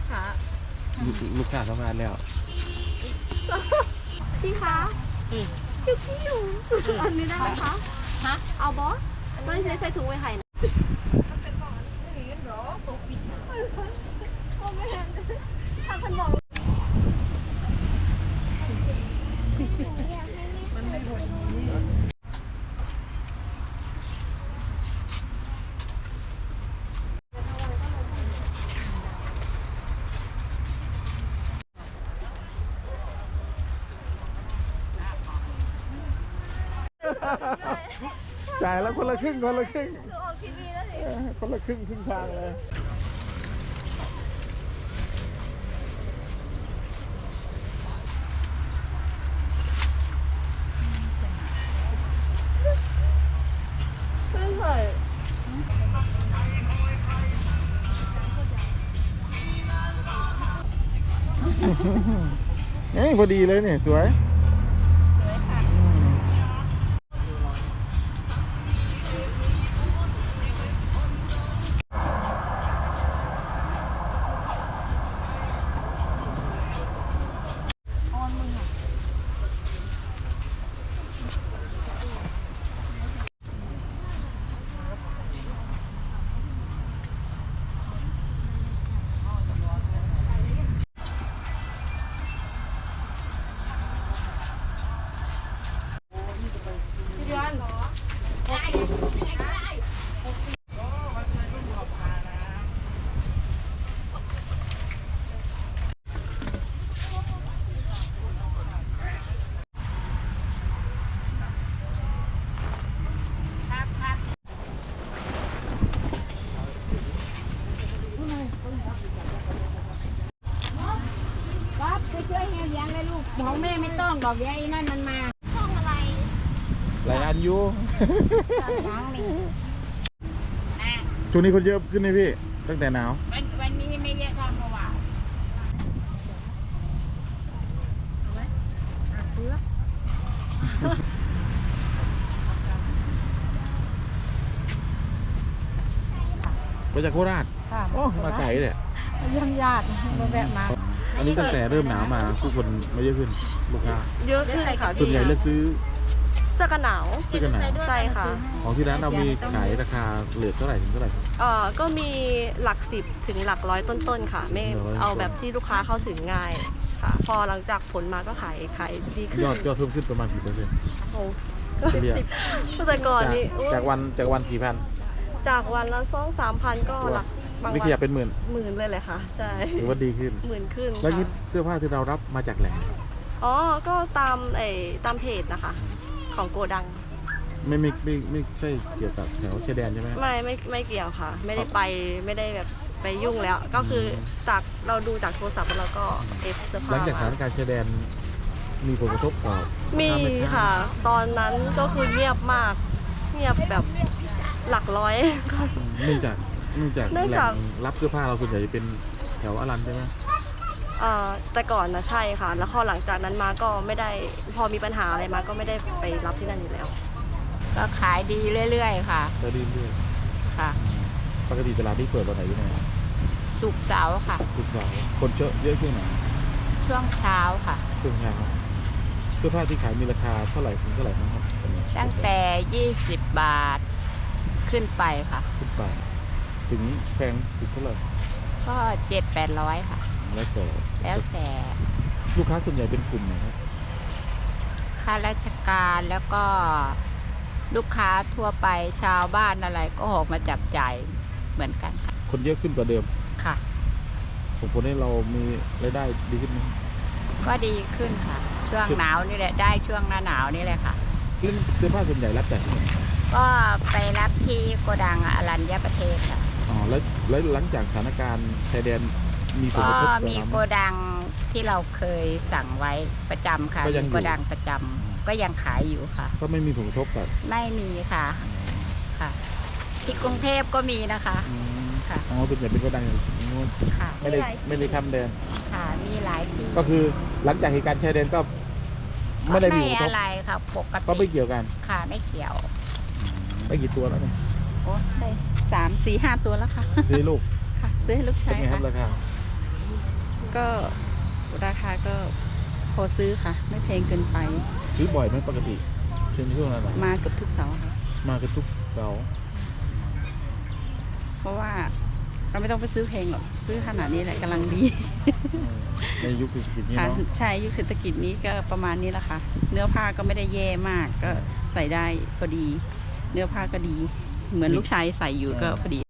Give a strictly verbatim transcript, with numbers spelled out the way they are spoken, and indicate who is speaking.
Speaker 1: กค้า
Speaker 2: ลูกค้าทำงานแล้ว
Speaker 1: พี่คะคิวคิวอันนี้ได้ไหมคะฮะเอาบอสไม่ใช่ใส่ถุงไว้ไข่นะมันเป็นกล่องอันนี้เหรอตกปิดโอ้ไม่เห็นทางขนมมันไม่หมด
Speaker 2: จ่ายแล้วคนละครึ่งคนละครึ่ง
Speaker 1: คือออกทีวีแล้วสิ
Speaker 2: คนละครึ่งครึ่งทางเลย
Speaker 1: เพิ่งเลย
Speaker 2: เฮ้ยพอดีเลยเนี่ยสวย
Speaker 3: ของแม่ไม่ต้องดอกเดียวไอ้นั่นมันมา
Speaker 1: ช่องอะไร
Speaker 2: หลายอันอยู่
Speaker 3: ล้างนี่
Speaker 2: ช่วงนี้คนเยอะขึ้นไหมพี่ตั้งแต่หนาว
Speaker 3: วันวันนี้ไม่เยอะเท่าเมื่อวาน
Speaker 2: มาจากโคราชโอ้มาไกลเลย
Speaker 3: เยี่ยมญาติมาแวะมา
Speaker 2: อันนี้ตั้งแต่เริ่มหนาวมาผู้คนมาเยอะขึ้นลูกค้า
Speaker 1: เยอะขึ้นค่ะ
Speaker 2: ส่วนใหญ่เลือกซื้อ
Speaker 1: เสื้อกันหนาว
Speaker 2: เสื้อกันหนาว
Speaker 1: ใช่ค่ะ
Speaker 2: ของที่ร้านเรามีขายราคาเหลือเท่าไหร่ถึงเท่าไหร่
Speaker 1: เอ่อก็มีหลักสิบถึงหลักร้อยต้นๆค่ะไม่เอาแบบที่ลูกค้าเข้าถึงง่ายค่ะพอหลังจากผลมาก็ขายขายดีขึ้น
Speaker 2: ยอดยอดเพิ่มขึ้นประมาณกี่เปอร์เซ็นต์
Speaker 1: โอ้สิบแต่ก่อนนี้
Speaker 2: จากวันจากวันกี่พัน
Speaker 1: จากวันละสองสามพันก็หลักบางวัน
Speaker 2: นี่ขยับเป็นหมื่น
Speaker 1: หมื่นเลยเลยค่ะใช่
Speaker 2: ถือว่าดีขึ้น
Speaker 1: หมื่นขึ้น
Speaker 2: แล้วนี่เสื้อผ้าที่เรารับมาจากแหล่ง
Speaker 1: อ๋อก็ตามไอ้ตามเพจนะคะของโกดัง
Speaker 2: ไม่ไม่ไม่ไม่ใช่เกี่ยวกับแถวชายแดนใช่ไหม
Speaker 1: ไม่ไม่ไม่เกี่ยวค่ะไม่ได้ไปไม่ได้แบบไปยุ่งแล้วก็คือจากเราดูจากโทรศัพท์แล้วเราก็เอฟเสื้อผ้า
Speaker 2: หลังจากสถานการณ์ชายแดนมีผลกระทบต่อ
Speaker 1: มีค่ะตอนนั้นก็คือเงียบมากเงียบแบบหลักร้อย
Speaker 2: เนื่องจากเนื่องจากแหล่งรับเสื้อผ้าเราส่วนใหญ่จะเป็นแถวอรัญใช่ไหม
Speaker 1: แต่ก่อนนะใช่ค่ะแล้วพอหลังจากนั้นมาก็ไม่ได้พอมีปัญหาอะไรมาก็ไม่ได้ไปรับที่นั่นอยู่แล้ว
Speaker 3: ก็ขายดีเรื่อยๆค่ะ
Speaker 2: ก็ดีเรื่อย
Speaker 3: ค่ะ
Speaker 2: ปกติตลาดที่เปิดวันไหนยังไง
Speaker 3: ศุกร์เสาร์ค่ะ
Speaker 2: ศุกร์เสาร์คนเยอะเยอะช่วงไหน
Speaker 3: ช่วงเช้าค่ะ
Speaker 2: ช่วงเช้าเสื้อผ้าที่ขายมีราคาเท่าไหร่ถึงเท่าไหร่นะครับ
Speaker 3: ตั้งแต่ยี่สิบบาทขึ้นไปค่ะ
Speaker 2: ขึ้นไปถึงแพงสุดเท่าไหร่
Speaker 3: ก็เจ็ดแปดร้อยค่ะ
Speaker 2: แล้วแต่
Speaker 3: แล้วแต่
Speaker 2: ลูกค้าส่วนใหญ่เป็นกลุ่มไหนครับ
Speaker 3: ข้าราชการแล้วก็ลูกค้าทั่วไปชาวบ้านอะไรก็ออกมาจับจ่ายเหมือนกันค่ะ
Speaker 2: คนเยอะขึ้นกว่าเดิม
Speaker 3: ค่ะ
Speaker 2: ผมคนให้เรามีรายได้ดีขึ้นไหม
Speaker 3: ก็ดีขึ้นค่ะช่วงหนาวนี่แหละได้ช่วงหน้าหนาวนี่แหละค่ะ
Speaker 2: เรื่องเสื้อผ้าส่วนใหญ่รับจากที่ไหน
Speaker 3: ก็ไปรับที่โกดังอรัญญประเทศค่ะ
Speaker 2: อ๋อแล้วแล้วหลังจากสถานการณ์ชายแดนมีผลกระทบ
Speaker 3: ก็มีโกดังที่เราเคยสั่งไว้ประจำค่ะโกดังประจำก็ยังขายอยู่ค่ะ
Speaker 2: ก็ไม่มีผลกระทบกับ
Speaker 3: ไม่มีค่ะค่ะที่กรุงเทพก็มีนะคะค่ะ
Speaker 2: อ๋อส่วนใหญ่เป็นโกดังอย่างนู้น
Speaker 3: ค่ะ
Speaker 2: ไม่ได้ไม่ได้ทำแดน
Speaker 3: ค่ะมีหลายที่
Speaker 2: ก็คือหลังจากเหตุการณ์ชายแดนก็ไม่ได้มี
Speaker 3: อะไรค่ะปกติ
Speaker 2: ก็ไม่เกี่ยวกัน
Speaker 3: ค่ะไม่เกี่ยว
Speaker 2: ได้กี่ตัวแล้วเนี่ย
Speaker 3: โอ้ได้สามสี่ห้าตัวแล้วค่ะ
Speaker 2: ซื้อลูก
Speaker 3: ค่ะซื้อให้ลูกชาย
Speaker 2: ค่ะราคา
Speaker 3: ก็ราคาก็พอซื้อค่ะ ไม่แพงเกินไป
Speaker 2: ซื้อบ่อยไหมปกติเช่นช่วงนั้น
Speaker 3: มาเกือบทุกเสาร์ค่ะ
Speaker 2: มากันทุกเสาร์
Speaker 3: เพราะว่าเราไม่ต้องไปซื้อแพงหรอกซื้อขนาดนี้แหละกำลังดี
Speaker 2: ในยุคเศรษฐกิจนี้
Speaker 3: ค่ะ
Speaker 2: เนาะ
Speaker 3: ใช่ยุคเศรษฐกิจนี้ก็ประมาณนี้แหละค่ะ เนื้อผ้าก็ไม่ได้แย่มากก็ใส่ได้พอดี เนื้อผ้าก็ดี เหมือนลูกชายใส่อยู่ก็พอดี